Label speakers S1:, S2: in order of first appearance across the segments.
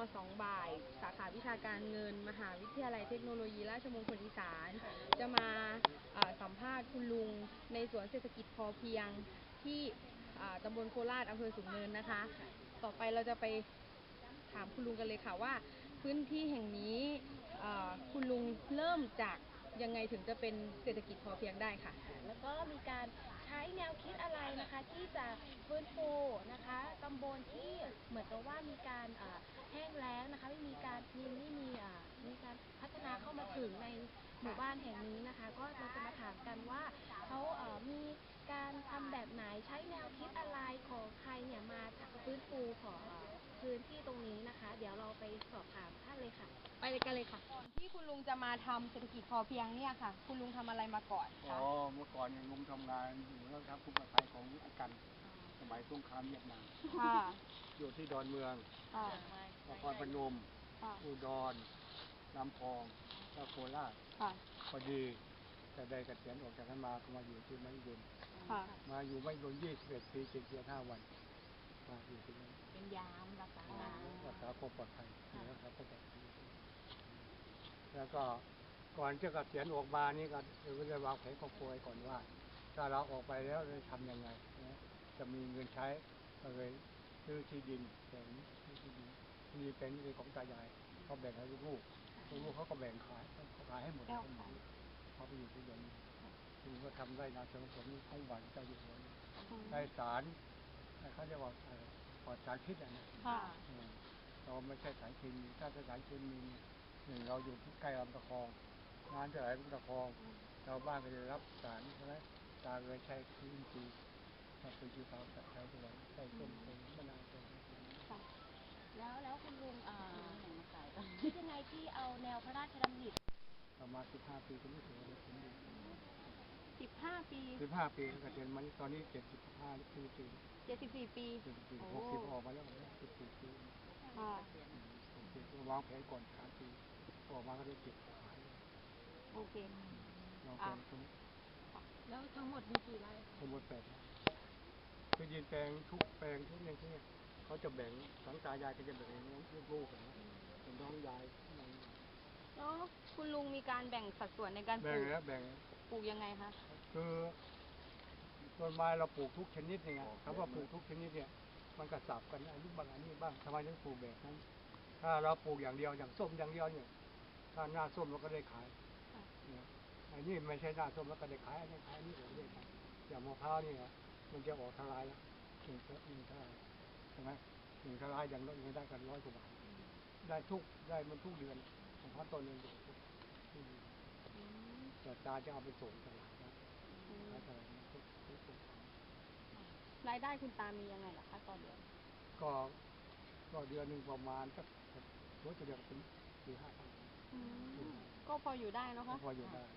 S1: 2 บ่ายสาขาวิชาการเงินมหาวิทยาลัยเทคโนโลยีราชมงคลอีสานจะมาสัมภาษณ์คุณลุงในสวนเศรษฐกิจพอเพียงที่ตำบลโคราชอำเภอสูงเนินนะคะต่อไปเราจะไปถามคุณลุงกันเลยค่ะว่าพื้นที่แห่งนี้คุณลุงเริ่มจากยังไงถึงจะเป็นเศรษฐกิจพอเพียงได้ค่ะ
S2: แล้วก็มีการใช้แนวคิดอะไรนะคะที่จะฟื้นฟูนะคะตำบลที่เหมือนกับว่ามีการแห้งแล้งนะคะไม่มีการมีการพัฒนาเข้ามาถึงในหมู่บ้านแห่งนี้นะคะก็เราจะมาถามกันว่าเขามีการทำแบบไหนใช้แนวคิดอะไรของใครเนี่ยมาฟื้นฟูของพื้นที่ตรงนี้นะคะเดี๋ยวเราไปสอบถามท่านเลยค่ะ
S1: ไปกันเลยค่ะก่อนที่คุณลุงจะมาทำเศรษฐกิจพอเพียงเนี่ยค่ะคุณลุงทำอะไรมาก่อนคะ
S3: เมื่อก่อนลุงทำงานอยู่แล้วครับผู้ประภัยของอากันสมัยสงครามเวียดนามอยู่ที่ดอนเมืองนครพนมอุดรลำพองแล้วโคราชพอดีแต่ได้เกษียณออกจากนั้นมาก็มาอยู่ที่ไม่บุญมาอยู่ไม่บุญ21 ปี7 เดือน 5 วันมาอยู่ที่นั่น
S1: เป็นยามรักษา
S3: ความปลอดภัยรักษาความปลอดภัยแล้วก็ก่อนจะเกษียณออกมานี่ก็ได้วางแผนครอบครัวก่อนว่าถ้าเราออกไปแล้วจะทำยังไงจะมีเงินใช้ก็เลยซื้อที่ดินแบ่งที่ดินที่เป็นของตายายเขาแบ่งให้ลูกเขาก็แบ่งขายให้หมดเขาไปอยู่ที่เดียวนี้ลุงก็ทำได้นาสวนผลของหวานเจ้าอยู่หัวได้สารเขาเรียกว่าปลอดสารพิษนะเราไม่ใช่สารเคมีถ้าสารเคมีหนึ่งเราอยู่ที่ใกล้ลำตะคองงานจะไหลลำตะคองชาวบ้านก็จะรับสารใช่ไหมตาเลยใช้พื้นที่ถ้าเป็นที่เขาใช้ตัวใช้ต้นเป็นมะนาวเป็น
S2: แล้วคุณลุงคิดยังไงที่เอาแนวพระราชดำริ
S3: ประมาณ15 ปีก็ไม่ถึงเลยถึง
S1: 15 ปี
S3: 15 ปีก็เกษียณมาตอนนี้75 ปี
S1: 74 ปี
S3: 60ออกมาแล้ว14 ปีวางแผนก่อน3 ปีออกมาก็ได้เก็บขาย
S1: โอเคว
S3: างแผน
S1: แล้วทั้งหมดมีกี่ไร่
S3: ทั้งหมด8 ไร่คือดินแปลงทุกแปลงทุกอย่างที่เขาจะแบ่งสังตายายก็จะแบ่งลูกๆนะเป็นน้องยาย
S1: แล้วคุณลุงมีการแบ่งสัดส่วนในการปลูกปลูกยังไงคะ
S3: คือต้นไม้เราปลูกทุกชนิดเนี่ยคำว่าปลูกทุกชนิดเนี่ยมันกระสับกันอันนี้บ้างอันนี้บ้างทำไมถึงปลูกแบบนั้นถ้าเราปลูกอย่างเดียวอย่างส้มอย่างเดียวเนี่ยถ้าหน้าส้มเราก็ได้ขายอันนี้ไม่ใช่หน้าส้มแล้วก็ได้ขายอันนี้ขายนี่ผมได้ขายอย่างมะพร้าวนี่มันจะออกทลายแล้ว1 ทลายใช่ไหม1 ทลายอย่างน้อยได้กัน100 กว่าบาทได้มันทุกเดือนของพ่อต้นเงินทุกแต่ตาจะเอาไปส่งตลาดนะขายตลาดนะทุก
S1: รายได้คุณตามียังไงล่ะคะต่อเดือน
S3: ก็เดือนหนึ่งประมาณสักรู้จะเดือนเป็น4-5 พัน
S1: ก็พออยู่ได้เนาะคะ
S3: พออยู่ได้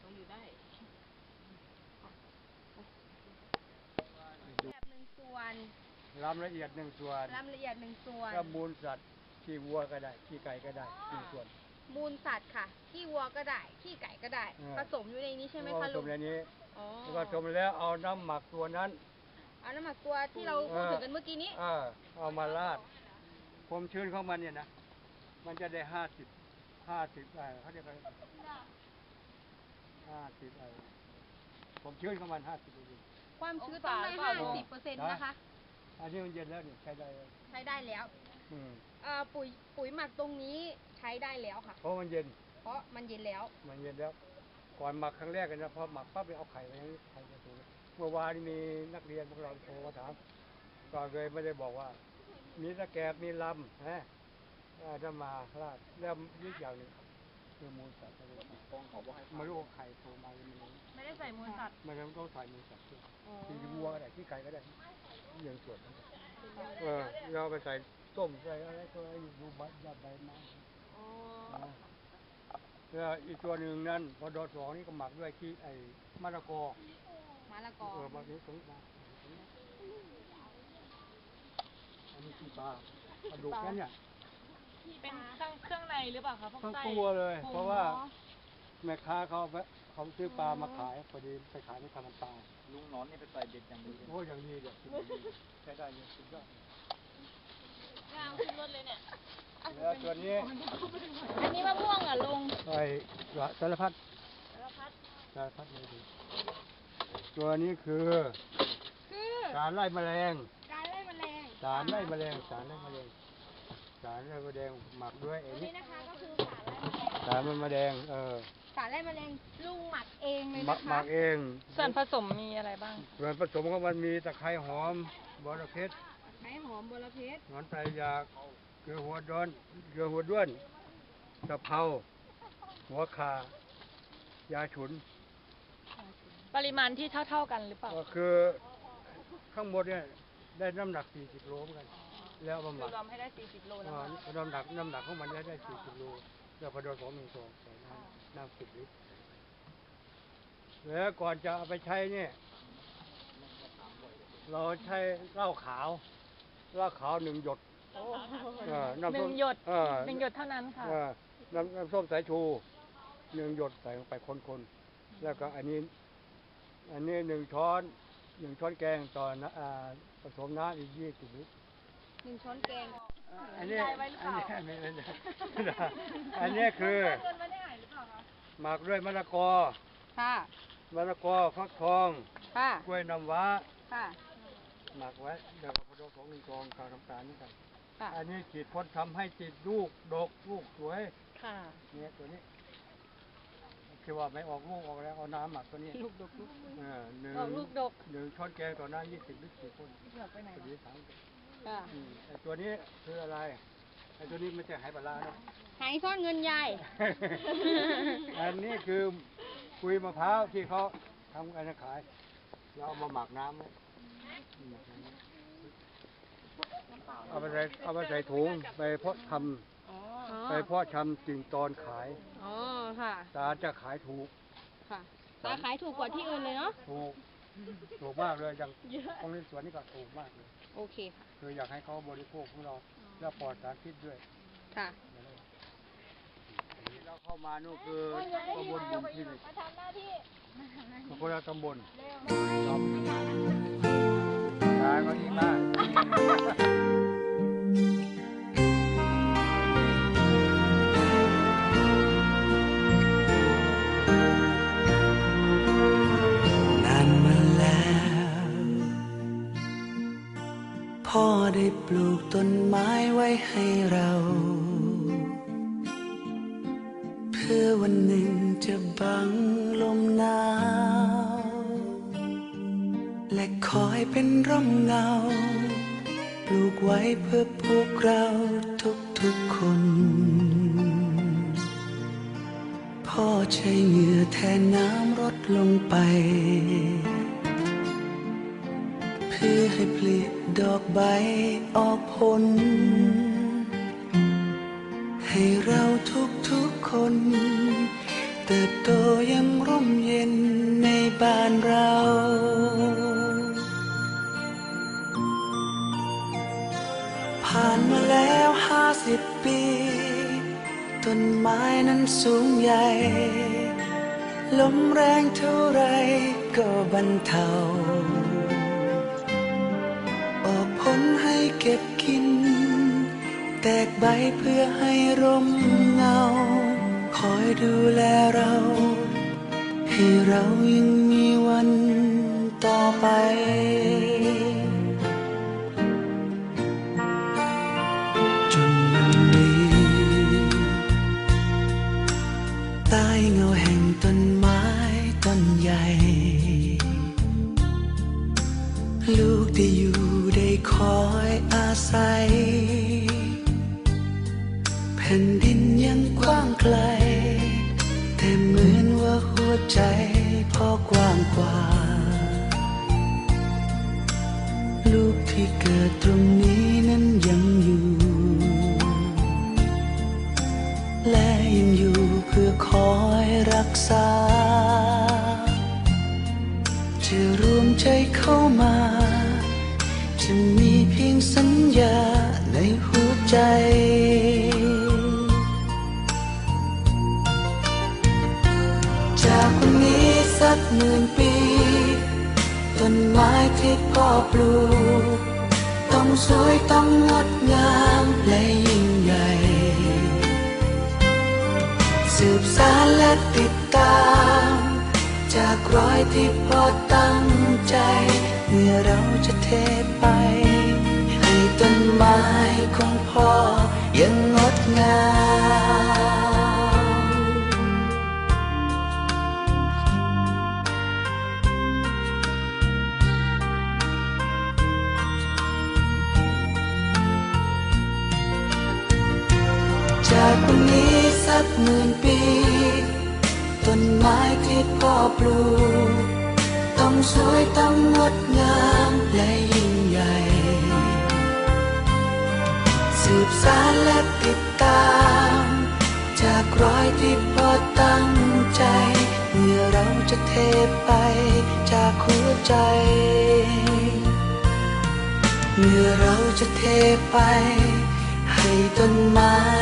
S1: แบบ1 ส่วน
S3: รำละเอียด1 ส่วนแล้วมูลสัตว์ขี้วัวก็ได้ขี้ไก่ก็ได้1 ส่วน
S1: มูลสัตว์ค่ะขี้วัวก็ได้ขี้ไก่ก็ได้ผสมอยู่ในนี้ใช่ไหมคะลุง
S3: ผสมในนี้ผสมแล้วเอาน้ำหมักตัวนั้น
S1: เอาน้ำหมักตัวที่เราพูดถึงกันเมื่อกี้นี้
S3: เอามาราดความชื้นของมันเนี่ยนะมันจะได้50เขาเรียกอะไร50ความชื้นของมัน50%
S1: ความชื้นต้องได้50%นะคะ
S3: อันนี้มันเย็นแล้วเนี่ยใช้ได้
S1: แล้วปุ๋ยหมักตรงนี้ใช้ได้แล้วค่ะ
S3: เพราะมันเย็น
S1: แล้ว
S3: ก่อนหมักครั้งแรกกันนะพอหมักปั๊บไปเอาไข่ไปไข่จะสูงเมื่อวานมีนักเรียนพวกเราโทรมาถามก็เลยไม่ได้บอกว่ามีตะแกรงมีลำจะมาลาดแล้วนิดอย่างหนึ่งคือมูลสัตว์ไม่รู้ไข่โตมา
S1: ไม่ได้ใส่มูลสัตว์
S3: ไม่ต้องใส่มูลสัตว์ด้วยที่วัวก็ได้ที่ไก่ก็ได้อย่างส่วนนั้นเราไปใส่ต้มใส่อะไรก็ดูใบไม้แล้วอีกตัวหนึ่งนั้นพอดอ2นี่ก็หมักด้วยที่มะละกอมาถึงตรงมาอันนี้ที่ปลากระดูกแค่เนี่ย
S1: เป็นเครื่องในหรือเปล่าคะ
S3: ทั้งตัวเลยเพราะว่าแม่ค้าเขาซื้อปลามาขายพอดีไปขายในตลาดปลา
S4: ลุงนอนนี่ไปใส่เบ็ดอย่างดี
S3: โอ้อย่างดีเดี๋ยวใช้ได้เลยสุดยอด
S1: งามขึ้นรถเลยเนี่ย
S3: แล้วตัวนี้
S2: อันนี้มะม่วงเหรอลุง
S3: ไอ้สารพัด
S2: สารพัด
S3: สารพัดเลยดีตัวนี้คือ
S1: คือ
S3: สารไล่แมลง
S1: การไล่แมลง
S3: สารไล่แมลงสารไล่แมลงสารไล่แมลงหมักด้วยไอ้
S1: อัน
S3: นี่
S1: นี้นะคะก็คือสารไล่แมลง
S3: สารมันแมลง
S1: สารไล่แมลงลุงหมักเองเลย
S3: หมั
S1: นะ
S3: หมั
S1: คะ
S3: กเอง
S5: ส่วนผสมมีอะไรบ้าง
S3: ส่วนผสมของมันมีตะไคร้หอมบอระเพ็ด
S1: ไม้หอมบรเพชร
S3: หนอนไตรยากเกลือหัวด้วนตะเภาหัวขายาฉุน
S5: ปริมาณที่เท่าๆกันหรือเปล่า
S3: ก็คือข้างบนเนี่ยได้น้ำหนัก40โลเหมือนกันแล้วเอามาห
S5: คือ
S3: มัก
S5: รวมให้ได้40โลนะคะ
S3: น้ำหนักของมันได้40โลแล้วพอโดนของ1 2ใส่น้ำ10 ลิตรแล้วก่อนจะเอาไปใช้เนี่ยเราใช้เหล้าขาว1 หยด น้ำ
S5: ห
S3: ส้
S5: นึ่
S3: ม
S5: งหยด
S3: เออ
S5: หนึ่งหยดเท่านั้นค่ะ
S3: น้ำส้มสายชู1 หยดใส่ลงไปคนๆแล้วก็อันนี้1 ช้อนแกงต่อผสมน้ำอีก20 ลิตร
S1: 1 ช้อนแกง
S3: อันนี้
S5: ได้ไว้หรือเปล่า
S3: อันนี้คือ
S1: เงินมาได้หายหรือเปล่าคะ
S3: หมักด้วยมะละกอ
S1: ค่ะ
S3: ฟักทอง
S1: ค่ะ
S3: กล้วยน้ำว้า
S1: ค่ะ
S3: หมักไว้เดี๋ยวพอโดนของ1 กองกาวน้ำตาลนี่กัน
S1: ค่ะ
S3: อันนี้ฉีดพ่นทำให้ติดลูกดกลูกสวย
S5: ค่ะ
S3: เนี่ยตัวนี้คือว่าไม่ออกลูกออกแล้วเอาน้ำหมักตัวนี้
S5: ลูกดกลูก
S3: ห
S5: ออกลูกดก
S3: นึ่งช้อนแกงต่อน้ำ20 ลิตร4 คน
S5: ไปไหน
S3: ตัว
S5: วะ
S3: นี้3
S1: ค่ะ
S3: ไอ้ตัวนี้คืออะไรไอ้ตัวนี้ไม่ใช่ไหปลาร้านะ
S1: หายซ่อนเงินยาย
S3: อันนี้คือคุยมะพร้าวที่เขาทำกันขายเราเอามาหมักน้ำไว้เอาไปใส่ถุงไปเพาะท
S1: อ๋อ
S3: ำไปเพาะชำกิ่งตอนขาย
S1: อ๋อ ค่ะ
S3: ตาจะขายถูก
S1: ค่ะตาขายถูกกว่าที่อื่นเลยเนาะ
S3: ถูกมากเลยอย่างตรงนี้สวนนี่ก็ถูกมากเลย
S1: โอเคค่ะ
S3: คืออยากให้เขาบริโภคของเราแล้วปลอดสารพิษด้วย
S1: ค่ะ
S3: เราเข้ามานู่นคือตำบลบุญที่หนึ่ง
S2: มาทำหน้าที่
S3: คนละตำบลครับขายก็ดีมาก
S6: นานมาแล้ว พ่อได้ปลูกต้นไม้ไว้ให้เรา เพื่อวันหนึ่งจะบังลมหนาวและคอยเป็นร่มเงา ปลูกไว้เพื่อพวกเราทุกๆคน พ่อใช้เหงื่อแทนน้ำรดลงไป เพื่อให้ผลิดอกใบออกผล ให้เราทุกๆคน เติบโตอยังร่มเย็นในบ้านเรา ผ่านมาแล้ว50 ปี ต้นไม้นั้นสูงใหญ่ ลมแรงเท่าไรก็บรรเทา ออกผลให้เก็บกิน แตกใบเพื่อให้ร่มเงา คอยดูแลเรา ให้เรายังมีวันต่อไป จนวันนี้ ใต้เงาแห่งต้นไม้ต้นใหญ่ ลูกได้อยู่ได้คอยอาศัย แผ่นดินยังกว้างไกล แต่เหมือนว่าหัวใจพ่อกว้างกว่า ลูกที่เกิดตรงนี้นั้นยังอยู่ และยังอยู่เพื่อคอยรักษา จะรวมใจเข้ามา จะมีเพียงสัญญาในหัวใจ จากวันนี้สัก10,000 ปี ต้นไม้ที่พ่อปลูก ต้องสวยต้องงดงามและยิ่งใหญ่สืบสานและติดตาม จากรอยที่พ่อตั้งใจ เมื่อเราจะเทไป ให้ต้นไม้ของพ่อยังงดงาม จากวันนี้สัก10,000 ปี ต้นไม้ที่พ่อปลูก ต้องสวยต้องงดงามและยิ่งใหญ่ สืบสานและติดตาม จากรอยที่พ่อตั้งใจ เมื่อเราจะเทไปจากหัวใจ เมื่อเราจะเทไป ให้ต้นไม้